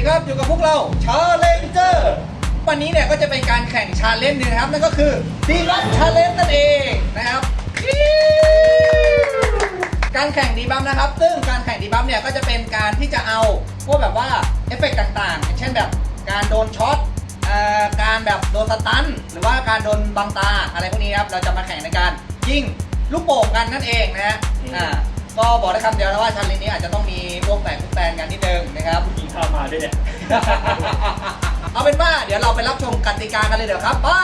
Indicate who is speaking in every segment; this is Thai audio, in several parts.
Speaker 1: ครับอยู่กับพวกเราชาเลนเจอร์วันนี้เนี่ยก็จะเป็นการแข่งชาเลนจ์นึงนะครับนั่นก็คือดีบัฟชาเลนจ์นั่นเองนะครับการแข่งดีบัฟนะครับซึ่งการแข่งดีบัฟเนี่ยก็จะเป็นการที่จะเอาพวกแบบว่าเอฟเฟกต์ต่างๆเช่นแบบการโดนช็อตการแบบโดนสตันหรือว่าการโดนบังตาอะไรพวกนี้ครับเราจะมาแข่งในการยิงลูกโป่งกันนั่นเองนะฮะก็บอกได้คำเดียวนะว่าชาเลนจ์นี้อาจจะต้องมีพวกแตกแตนกันนิดนึงนะครับ
Speaker 2: กินข้าวมาด้วยเนี่ย
Speaker 1: เอาเป็นว่าเดี๋ยวเราไปรับชมกติกากันเลยเดี๋ยวครับไป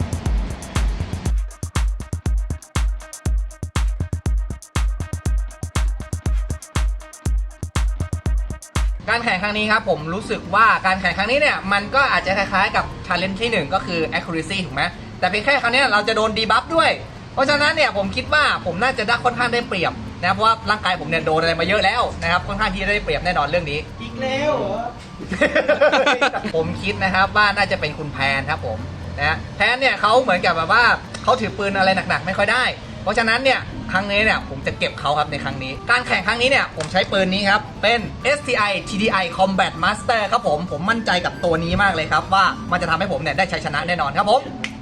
Speaker 1: การแข่งครั้งนี้ครับผมรู้สึกว่าการแข่งครั้งนี้เนี่ยมันก็อาจจะคล้ายๆกับ challenge ที่1ก็คือ accuracy ถูกไหมแต่เพียงแค่ครั้งนี้เราจะโดนดีบัฟด้วยเพราะฉะนั้นเนี่ยผมคิดว่าผมน่าจะได้ค่อนข้างได้เปรียบนะเพราะว่าร่างกายผมเนี่ยโดนอะไรมาเยอะแล้วนะครับค่อนข้างที่จะได้เปรียบแน่นอนเรื่องนี้
Speaker 2: อีกแล้วเหรอ
Speaker 1: ผมคิดนะครับว่าน่าจะเป็นคุณแพนครับผมนะแพนเนี่ยเขาเหมือนกับแบบว่าเขาถือปืนอะไรหนักๆไม่ค่อยได้เพราะฉะนั้นเนี่ยครั้งนี้เนี่ยผมจะเก็บเขาครับในครั้งนี้การแข่งครั้งนี้เนี่ยผมใช้ปืนนี้ครับเป็น STI TDI Combat Master ครับผมมั่นใจกับตัวนี้มากเลยครับว่ามันจะทำให้ผมเนี่ยได้ชัยชนะแน่นอนครับผม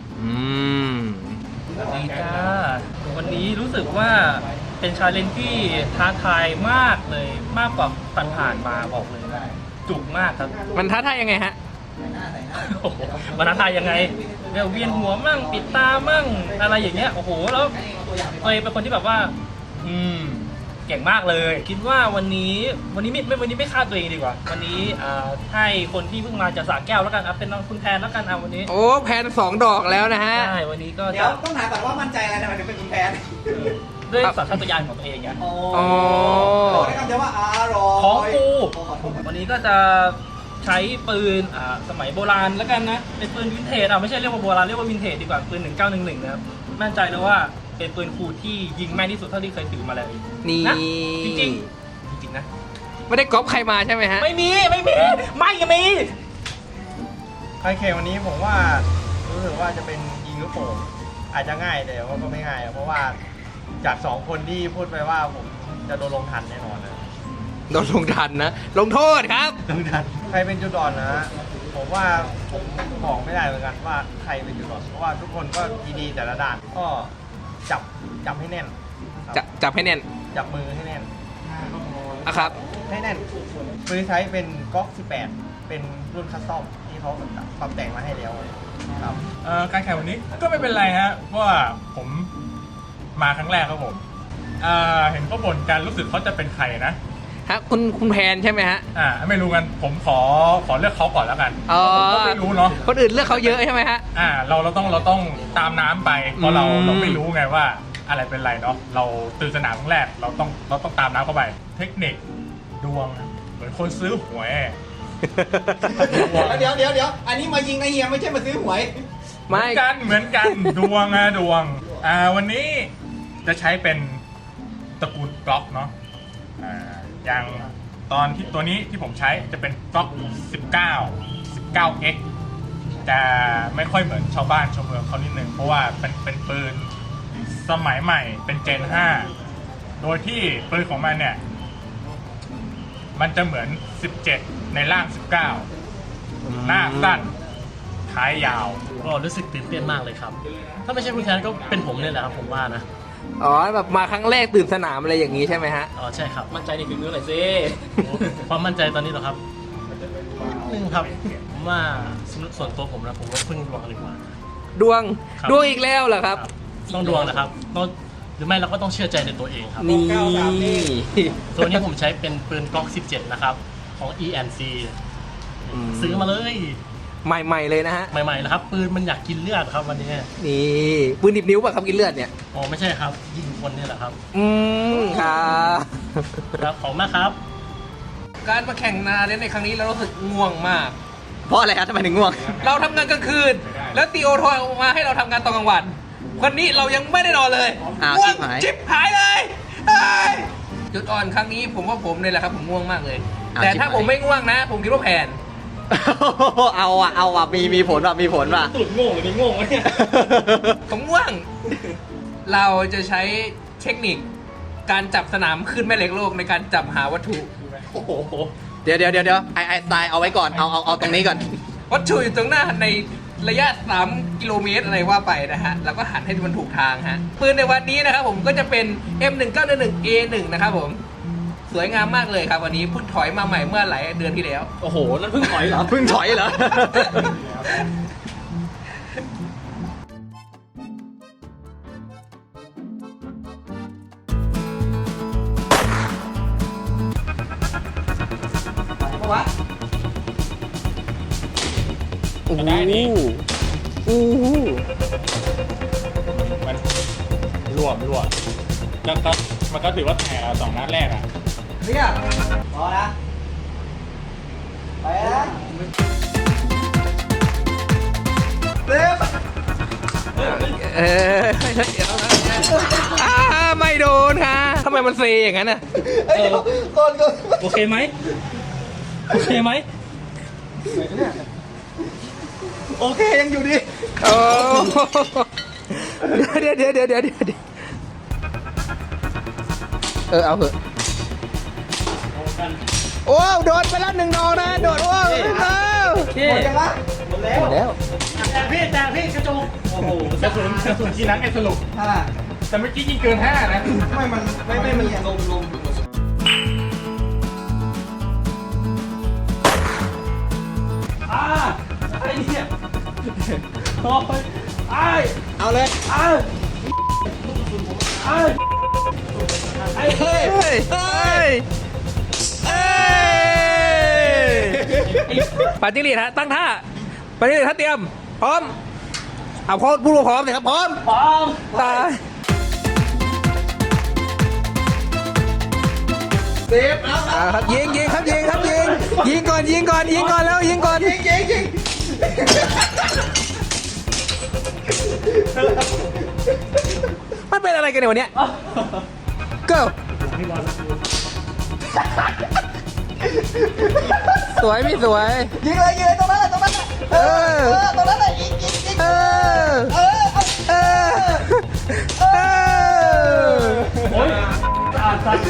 Speaker 2: สวัสดีจ้าวันนี้รู้สึกว่าเป็นชาเลนจ์ที่ท้าทายมากเลยมากกว่าผ่านๆมาบอกเลยจุกมากครับ
Speaker 3: มันท้าทายยังไงฮะ
Speaker 2: โอ้โหมันท้าทายยังไงเวียนหัวมั่งปิดตามั่งอะไรอย่างเงี้ยโอ้โหแล้วตัวเองเป็นคนที่แบบว่าเก่งมากเลยคิดว่าวันนี้ไม่ฆ่าตัวเองดีกว่าวันนี้ให้คนที่เพิ่งมาจากสระแก้วแล้วกันเป็นน้องคุณแพนแล้วกันวันนี้
Speaker 3: โอ้แพน2 ดอกแล้วนะฮะ
Speaker 2: ใช่วันนี้ก็
Speaker 1: เดี๋ยวต้องถามก่อนว่ามั่นใจอะไรทำไมถึงเป็นคุณแพน
Speaker 2: ด้วยสัญชาตญาณของตัวเองไง
Speaker 1: อ๋อได้คำเดียวว่าอร่อย
Speaker 2: ของกูวันนี้ก็จะใช้ปืนสมัยโบราณแล้วกันนะเป็นปืนวินเทจไม่ใช่เรียกว่าโบราณเรียกว่าวินเทจดีกว่าปืน1911นะครับมั่นใจเลยว่าเป็นปืนคูที่ยิงแม่นที่สุดเท่าที่เคยถือมาเลย
Speaker 3: นี่
Speaker 2: จริงนะ
Speaker 3: ไม่ได้ก๊อปใครมาใช่ไหมฮะ
Speaker 2: ไม่มี
Speaker 4: ใครแข่งวันนี้ผมว่ารู้สึกว่าจะเป็นยิงลูกโป่งอาจจะง่ายแต่ว่าก็ไม่ง่ายเพราะว่าจาก2 คนที่พูดไปว่าผมจะโดนลงทันแน่นอนนะ
Speaker 3: โดนลงทันนะลงโทษครับ
Speaker 4: ลงทันใครเป็นจุดอ่อนนะผมว่าผมบอกไม่ได้เหมือนกันว่าใครเป็นจุดอ่อนเพราะว่าทุกคนก็ดีๆแต่ละด่านก็จับให้แน่น
Speaker 3: จับให้แน่น
Speaker 4: จับมือให้แน่น
Speaker 3: ครับ
Speaker 4: ให้แน่นปืนใช้เป็นก๊อก18เป็นรุ่นคัสตอมที่เขาปรับแต่งมาให้แล้วครับ
Speaker 5: การแข่งวันนี้ก็ไม่เป็นไรฮะเพราะว่าผมมาครั้งแรกครับผมเห็นเขาบ่นกันรู้สึกเขาจะเป็นใครนะ
Speaker 3: ฮะคุณแพนใช่ไหมฮะ
Speaker 5: ไม่รู้กันผมขอเลือกเขาก่อนแล้วกันผมก็ไม่รู้เนาะ
Speaker 3: คนอื่นเลือกเขาเยอะใช่ไหมฮะ
Speaker 5: เราต้องตามน้ำไปเพราะเราไม่รู้ไงว่าอะไรเป็นไรเนาะเราตื่นสนามครั้งแรกเราต้องตามน้ำเข้าไปเทคนิคดวงเหมือนคนซื้อหวย
Speaker 1: เดี๋ยวอันนี้มายิงนะเฮียไม่ใช่มาซื้อหวย
Speaker 5: เหมือนกันดวงวันนี้จะใช้เป็นตระกูลกล็อกเนาะอย่างตัวนี้ที่ผมใช้จะเป็นกล็อก19X จะไม่ค่อยเหมือนชาวบ้านชาวเมืองเขานิดนึงเพราะว่าเป็นปืนสมัยใหม่เป็นเจน 5โดยที่ปืนของมันเนี่ยมันจะเหมือน17ในล่าง19หน้าสั้นท้ายยาว
Speaker 2: ก็รู้สึกตื่นเต้นมากเลยครับถ้าไม่ใช่คุณแทนก็เป็นผมเนี่ยแหละครับผมว่านะ
Speaker 3: แบบมาครั้งแรกตื่นสนามอะไรอย่างนี้ใช่ไหมฮะ
Speaker 2: ใช่ครับมั่นใจในฝีมือหน่อยสิความมั่นใจตอนนี้เหรอครับนึงครับผมว่าส่วนตัวผมนะผมว่าพึ่งดวงดีกว่า
Speaker 3: ดวงอีกแล้วเหรอครับ
Speaker 2: ต้องดวงนะครับหรือไม่เราก็ต้องเชื่อใจในตัวเองครับ
Speaker 3: นี่
Speaker 2: ตัวนี้ผมใช้เป็นปืนกล็อก17นะครับของ ENC ซื้อมาเลย
Speaker 3: ใหม่ๆเลยนะฮะ
Speaker 2: ใหม่ๆนะครับปืนมันอยากกินเลือดครับวันนี้
Speaker 3: นี่ปืนดิบนิ้วป่ะครับกินเลือดเนี่ย
Speaker 2: ไม่ใช่ครับยิงคนนี่แหละครับ
Speaker 3: ครับ
Speaker 2: ของมากครับ
Speaker 3: การมาแข่งนาเล่นในครั้งนี้เรารู้สึกง่วงมาก
Speaker 1: เพราะอะไรครับทำไมถึงง่วง
Speaker 3: เราทำงานกลางคืนแล้วตีโอโทรมาให้เราทำงานตอนกลางวันวันนี้เรายังไม่ได้นอนเลยง่วงชิบหายเลยจุดอ่อนครั้งนี้ผมว่าผมเลยแหละครับผมง่วงมากเลยแต่ถ้าผมไม่ง่วงนะผมคิดว่าแผน
Speaker 1: เอามีผลว่ะ
Speaker 2: ตุ่นโง่หรือไม่โง่เนี่ย
Speaker 3: ผมง่วงเราจะใช้เทคนิคการจับสนามขึ้นแม่เหล็กโลกในการจับหาวัตถุ
Speaker 2: โอ้โห
Speaker 1: เดี๋ยวไอสไตล์เอาไว้ก่อนเอาตรงนี้ก่อน
Speaker 3: วัตถุอยู่ตรงหน้าในระยะ 3 กิโลเมตรอะไรว่าไปนะฮะแล้วก็หันให้มันถูกทางฮะปืนในวันนี้นะครับผมก็จะเป็น M1911A1 นะครับผมสวยงามมากเลยครับวันนี้เพิ่งถอยมาใหม่เมื่อหลายเดือนที่แล้ว
Speaker 2: โอ้โห นั่นเพิ่งถอยเหรอ
Speaker 1: เพิ่งถอยเหรอ
Speaker 2: โอ้โหโอ้โห
Speaker 5: มันรวมแล้วก็มันก็ถือว่าแตกสองนัดแรกอ่ะ
Speaker 1: เนี่ยพอนะไปนะเร็ว
Speaker 3: ไม่โดนค่ะทำไมมันเซอย่างนั้นน่ะ
Speaker 1: ก่อน
Speaker 2: โอเคไหมโอเคไหม
Speaker 1: โอเคยังอยู่ดี
Speaker 3: โอ้เดี๋ยวเอาเถอะโอ้โดนไปแล้ว1 ดอกนะโดดโอ้
Speaker 2: โอเค
Speaker 1: หมดยังวะหมดแล้ว
Speaker 2: แต่พี่กระจกโอ้โห
Speaker 5: กระสุนกี่นัดไอ้สรุป แต่เมื่อกี้ยิงเกิน 5 นะ
Speaker 1: ไม่มันลม
Speaker 2: ไอ้เนี่ยโอ้ยไอ้
Speaker 1: เอาเลย
Speaker 2: ไอ้ไอ้
Speaker 3: เฮ้ยปัดจิ้งหรีดฮะตั้งท่าปัดจิ้งหรีดท่าเตรียมพร้อมเอาพูดพร้อมเลยครับพร้อม
Speaker 2: ปอง
Speaker 3: ตาย
Speaker 1: เซฟเอา
Speaker 3: ครับยิงครับยิงก่อนแล้วยิงก่อน
Speaker 1: ยิง
Speaker 3: มันเป็นอะไรกันเนี่ยวันเนี้ย go สวยไม่สวย
Speaker 1: ยิงเลยตรงนั้นตรงนั้นตรงนั้นยิง
Speaker 3: เออ
Speaker 2: โอ้ยอ่านสัตว์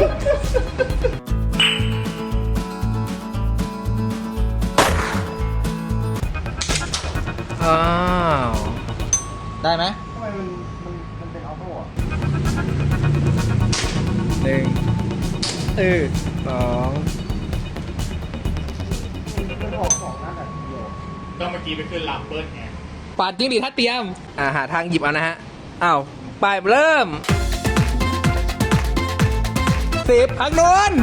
Speaker 3: อ้าว
Speaker 1: ได้ไหม
Speaker 4: ทำไมมันเป็นออโต้อะ
Speaker 3: 1 2
Speaker 4: มันออก2 นัดอะเดียว
Speaker 5: ก็เมื่อกี้ไปขึ้นลำเบิ้ลไง
Speaker 3: ปัดจิ้งหรีดท่าเตรียมหาทางหยิบเอานะฮะอ้าวไปเริ่ม10ทางโน้น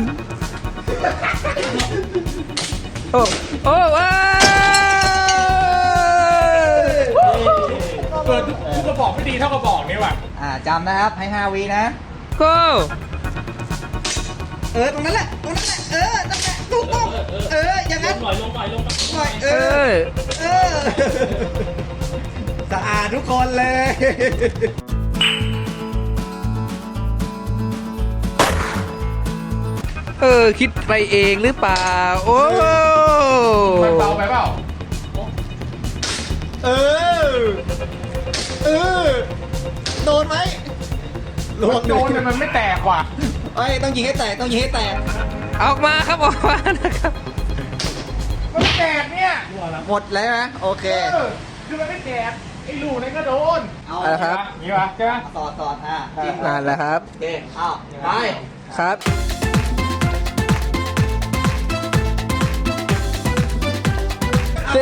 Speaker 3: โอ้ว้าว
Speaker 5: เกิดทุกกระบอกไม่ดีเท่ากระบอกนี่ว่ะ
Speaker 1: จำนะครับให้5 วินะ
Speaker 3: go
Speaker 1: ตรงนั้นแหละนั่นแหละถูกต้องอย่างนั้น
Speaker 2: ลงหน่อย
Speaker 1: หน่อย สะอาดทุกคนเลย
Speaker 3: คิดไปเองหรือเปล่าโอ้
Speaker 5: มันเบาไปเปล่า
Speaker 1: โดนไหม
Speaker 5: โดนแต่มันไม่แตกว่ะ
Speaker 1: ต้องยิงให้แตก
Speaker 3: ออกมาครับออกมานะครับ
Speaker 5: มันไม่แตกเนี่ย
Speaker 1: หมดแล้วนะโอเค
Speaker 5: คือมันไม่แตกไอ้ลูกนั่นก็โดน
Speaker 1: เอา
Speaker 3: เอาละครับ
Speaker 5: นี่วะใช่ไหม
Speaker 1: สอดจิ้ม
Speaker 3: นั่นแหละครับ
Speaker 1: โอเคเอาไป
Speaker 3: ครับ 10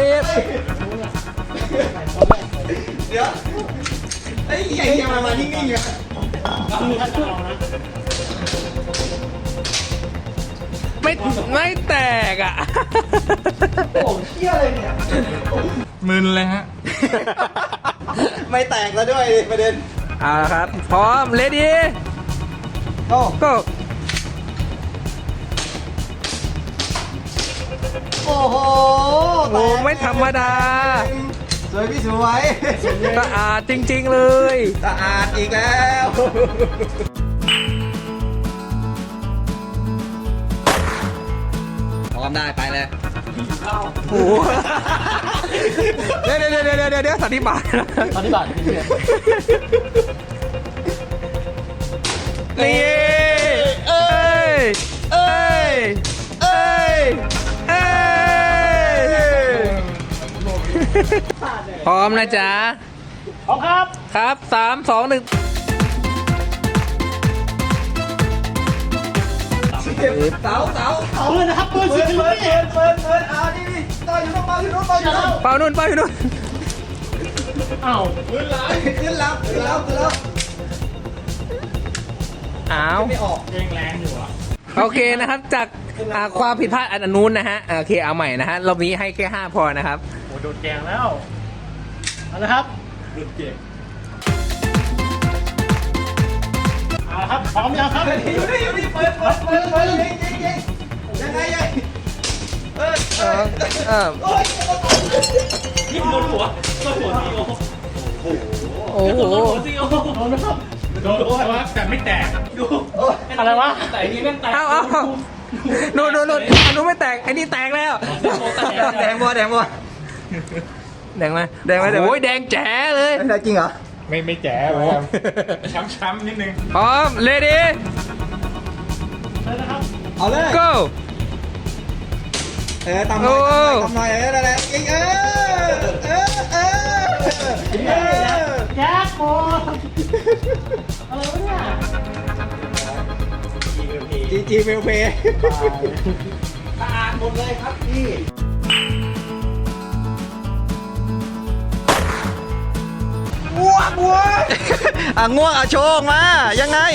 Speaker 1: เดี๋ยวไอ้ใหญ่ยังมานิ่งๆอยู่
Speaker 3: ไม่แตกอ่ะ
Speaker 1: โอ้เชี่ยเลยเนี่ย
Speaker 5: มึนเลยฮะ
Speaker 1: ไม่แตกแล้วด้วยประเด็น
Speaker 3: เอาละครับ พร้อม ready
Speaker 1: โอ้
Speaker 3: go
Speaker 1: โอ้โห
Speaker 3: โอ้ไม่ธรรมดา
Speaker 1: สวยพี่สวย
Speaker 3: สะอาดจริงๆเลย
Speaker 1: สะอาดอีกแล้วพร้อมได้ไปเลย
Speaker 3: โอ้โหเดี๋ยวสันนิบาต
Speaker 2: ตอนนี้บาทพี่เนี่ย
Speaker 3: นี่เอ้ยพร้อมนะจ๊ะ
Speaker 2: พร้อมครับ
Speaker 3: ครับ 3 2 1
Speaker 1: เสาปืนนะครับปืนปืนเอานี่ต่ออยู่นู่นต่ออยู่นู่นต่ออยู่นู่น
Speaker 3: เป่านู่นเป่าอยู่นู่น
Speaker 1: ขึ้นแล้ว
Speaker 3: อ้าว
Speaker 1: ไม่ออก
Speaker 3: โอเคนะครับจากความผิดพลาดอันนู้นนะฮะโอเคเอาใหม่นะฮะรอบนี้ให้แค่5พอนะครับ
Speaker 2: โอ้โดนแกงแล้วเอาละครับเอาละครับพร้อมยังครับ
Speaker 1: อยู่นี่เปิดยิงยังไงยัย
Speaker 2: ยิงโดนหัวซีโอ
Speaker 3: โอ้โห
Speaker 2: ซีโอโดนนะครับ
Speaker 5: โดนแต่ไม่แตก
Speaker 2: อะไรวะแต่อันนี้แม่งแตก
Speaker 3: เอานู่นอันนู้นไม่แตกไอ้นี่แตกแล้ว
Speaker 1: แดงบัว
Speaker 3: แดงไหมโอ้ยแดงแจ๋เลย
Speaker 1: จริงเหรอ
Speaker 5: ไม่แจ๋แบบช้ำๆนิดนึง
Speaker 3: พร้อมเลดี้
Speaker 1: เอาเลย
Speaker 3: go
Speaker 1: ตำหน่อยอะไรยิง
Speaker 2: แจ็คโมอะไรวะเนี่ย
Speaker 1: จีเฟลเพย์สะอาดหมดเลยครับพี่ง่วงง่วงโชงมายังไง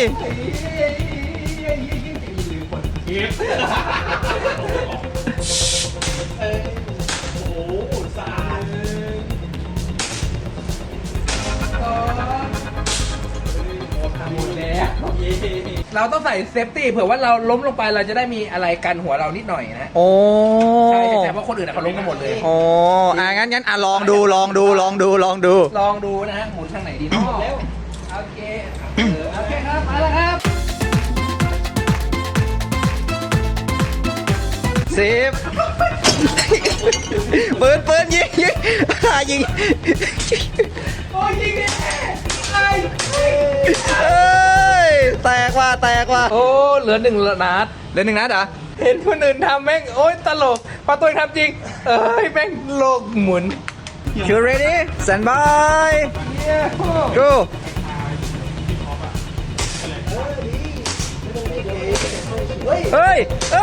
Speaker 3: เราต้องใส่เซฟตี้เผื่อว่าเราล้มลงไปเราจะได้มีอะไรกันหัวเรานิดหน่อยนะ
Speaker 1: โอ้
Speaker 3: ใช่เพราะคนอื่นเขาล้มกันหมดเลย
Speaker 1: โอ้งั้นลองดู
Speaker 3: ลองดูนะฮะหมุนทางไหนดีเนาะโอเคโอเคครับมาแล้วครับ
Speaker 1: 10ปืนยิง
Speaker 3: โอ้ยยิงดิไอ้
Speaker 1: เอ้ยแตกว่ะ
Speaker 3: โอ้เหลือ1 นัด
Speaker 1: เหลือ1 นัดเหรอ
Speaker 3: เห็นคนอื่นทำแม่งโอ้ยตลกพอตัวเองทำจริงแม่งโลกหมุน
Speaker 1: You ready stand by go เฮ้ย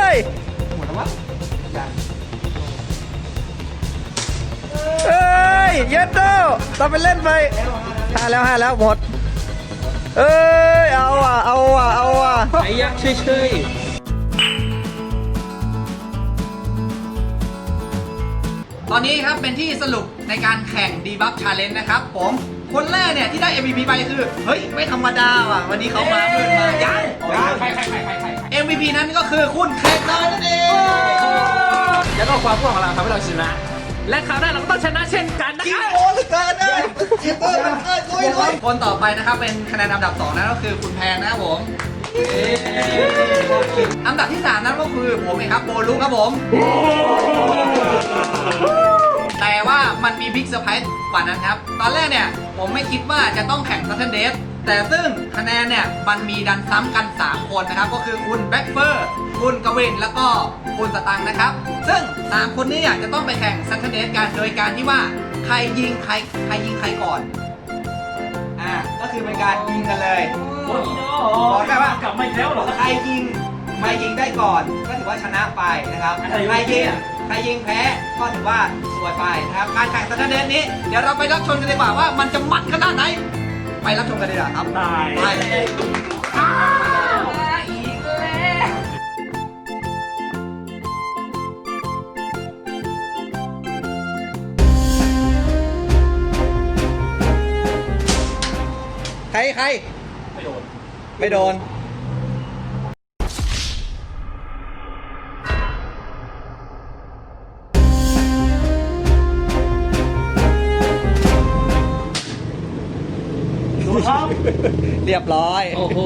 Speaker 1: เย็ดโตต้องไปเล่นไป5 แล้วหมดเอ้ยเอาว่ะ
Speaker 3: ไอ้ยักษ์เฉย
Speaker 1: ตอนนี้ครับเป็นที่สรุปในการแข่งดีบัฟชาเลนจ์นะครับผมคนแรกเนี่ยที่ได้ MVP ไปคือเฮ้ยไม่ธรรมดาว่ะวันนี้เขามาเพื่อนมายัง
Speaker 3: ใคร
Speaker 1: MVP นั้นก็คือคุณเคทนอยนั่นเอง
Speaker 3: แล้วก็ความพวกของเราทำให้เราชนะ และคราวหน้าเราก็ต้องชนะเช่นกันนะ
Speaker 1: กิ
Speaker 3: คน รับ
Speaker 1: โอเหลือเกินเลยคนต่อไปนะครับเป็นคะแนนอันดับ2นั่นก็คือคุณแพนนะครับผมอันดับที่3นั้นก็คือผมเองครับโบลุครับผมแต่ว่ามันมีบิ๊กเซอร์ไพรส์กว่านั้นครับตอนแรกเนี่ยผมไม่คิดว่าจะต้องแข่งซัตเทนเดสแต่ซึ่งคะแนนเนี่ยมันมีดันซ้ำกัน3คนนะครับก็คือคุณแบ็คเฟอร์คุณกวินแล้วก็คุณสตังค์นะครับซึ่ง3คนนี้เนี่ยจะต้องไปแข่งซัตเทนเดสกันโดยการที่ว่าใครยิงใครก่อนก็คือเป็นการยิงกันเลย
Speaker 2: โอ้ยโ
Speaker 1: บอกได้ว่า
Speaker 2: กลับมาอีกแล้วเหรอ
Speaker 1: ใครยิงได้ก่อนก็ถือว่าชนะไปนะครับ
Speaker 2: อะไรวะ
Speaker 1: ใครยิงแพ้ก็ถือว่าสวยไปนะครับการแข่งซัตเทนเดสนี้เดี๋ยวเราไปรับชมกันดีกว่าว่ามันจะมันขนาดไหนไปรับชมกันดีกว่าครับ
Speaker 2: ตาย
Speaker 1: ไป
Speaker 3: อีกแล้ว
Speaker 1: ใครไม่โดนเรียบร้อย
Speaker 2: โอ้โห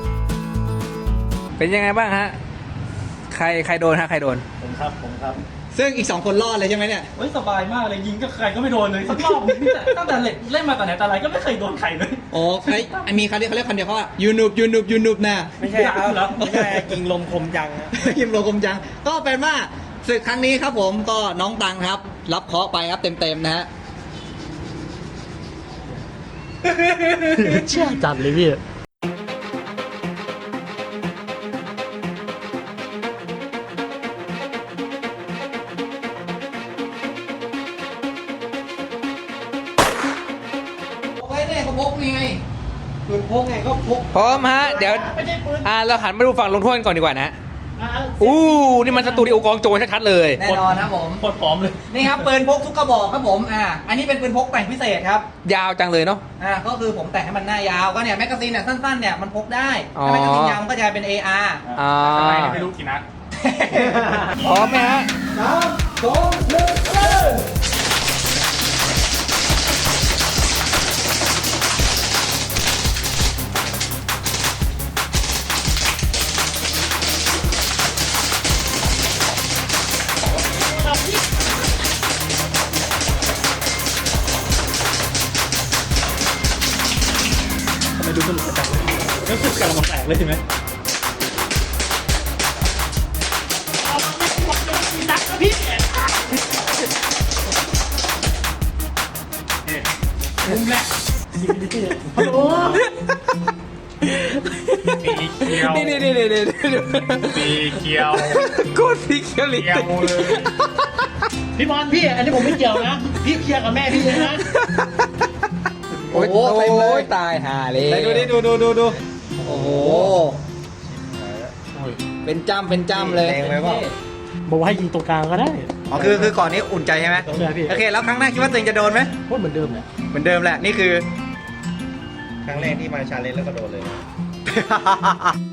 Speaker 3: เป็นยังไงบ้างฮะใครโดนฮะใครโดน
Speaker 2: ผมครับ
Speaker 1: ซึ่งอีก 2 คนรอดเลยใช่ไหมเนี่ย
Speaker 2: เฮ้ยสบายมากเลยยิงก็ใครก็ไม่โดนเลยสักรอบนึงเนี่ยตั้งแต่เล่นมาแต่ไหนแต่ไรก็ไม่เคยโดนใครเลย
Speaker 1: โอ้เฮ้ยมีเขาเรียกคำเดียวเขาว่ายูนูบนะ
Speaker 4: ไม่ใช่ครับไม่ใช่กิงลมคมจังนะ
Speaker 1: ยิมโลกมจัง ก็เป็นว่าศึกครั้งนี้ครับผมก็น้องตังครับ รับเคราะห์ไปครับเต็มๆนะฮะ
Speaker 2: เชื่อจัดเลยพี่
Speaker 1: ไว้เนี่ยเขาพกไง
Speaker 4: ปืนพกไงก็พก
Speaker 3: พร้อมฮะ เดี๋ยวเราหันมาดูฝั่งลงโทษกันก่อนดีกว่านะอู้นี่มันสตูดิโอกองโจรชัดๆเลย
Speaker 1: แน่นอนครับผม
Speaker 2: โคตรพร้อมเลย
Speaker 1: นี่ครับปืนพกทุกกระบอกครับผมอันนี้เป็นปืนพกแต่งพิเศษครับ
Speaker 3: ยาวจังเลยเนาะ
Speaker 1: ก็คือผมแต่งให้มันหน้ายาวก็เนี่ยแมกกาซีนเนี่ยสั้นๆเนี่ยมันพกได้
Speaker 3: อ๋อ
Speaker 1: ถ้าแมกกาซีนยาวมันก็จะเป็น AR
Speaker 3: อ่า
Speaker 5: ทำไมไม่รู้กี่นัด
Speaker 3: พร้อมไหมฮะ
Speaker 2: ทำไมดูสนุกจังเลยแล้วสึกกำลังมาแตกเลยใช่ไหม
Speaker 5: มุมแรก
Speaker 2: โอ้โห
Speaker 5: สีเขียว
Speaker 3: นี่
Speaker 5: สีเขียว
Speaker 3: โคตรสีเขียวเลย
Speaker 5: เขียวเลย
Speaker 6: พี่บอลพี่อันนี้ผมไม่เกี่ยวนะ พี่เคลียร์กับแม่พี่เลยนะ
Speaker 3: โอ้ย
Speaker 1: เต็มเลย
Speaker 3: ตายห่าเลย
Speaker 1: ไหนดูดิดูโอ้โหเป็นจ้ำเลย
Speaker 4: แรงไหมวะ
Speaker 6: บอกว่าให้ยิงตรงกลางก็ได้
Speaker 1: อ๋อคือก่อนนี้อุ่นใจใช่ไหม
Speaker 6: ใช่พี่
Speaker 1: โอเคแล้วครั้งหน้าคิดว่าตัวเองจะโดนไหม
Speaker 6: โคตรเหมือนเดิมเลย
Speaker 1: เหมือนเดิมแหละนี่คือ
Speaker 4: ครั้งแรกที่มาชาเลนจ์แล้วก็โดนเลย